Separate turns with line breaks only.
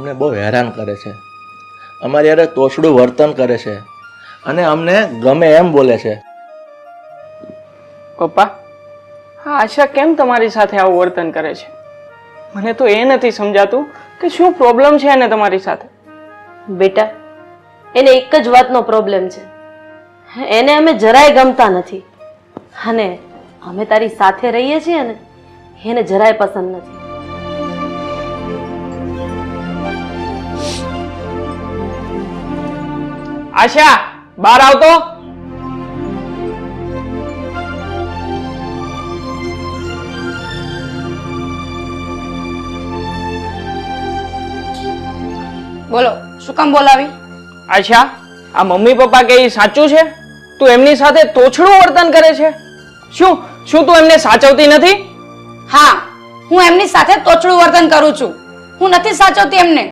અમને બહુ હેરાન કરે છે, અમારી યારે તોછડું વર્તન કરે છે અને અમને ગમે એમ બોલે છે.
પપ્પા, હા આશા કેમ તમારી સાથે આવું વર્તન કરે છે? મને તો એ નથી સમજાતું કે શું પ્રોબ્લેમ છે એને તમારી સાથે.
બેટા, એને એક જ વાતનો પ્રોબ્લેમ છે. એને અમે જરાય ગમતા નથી અને અમે તારી સાથે રહીએ છીએ ને એને જરાય પસંદ નથી.
આશા, બહાર આવતો.
બોલો, શું કામ બોલાવી?
આશા, આ મમ્મી પપ્પા કે એ સાચું છે? તું એમની સાથે તોછડું વર્તન કરે છે? શું શું તું એમને સાચવતી નથી?
હા, હું એમની સાથે તોછડું વર્તન કરું છું. હું નથી સાચવતી એમને.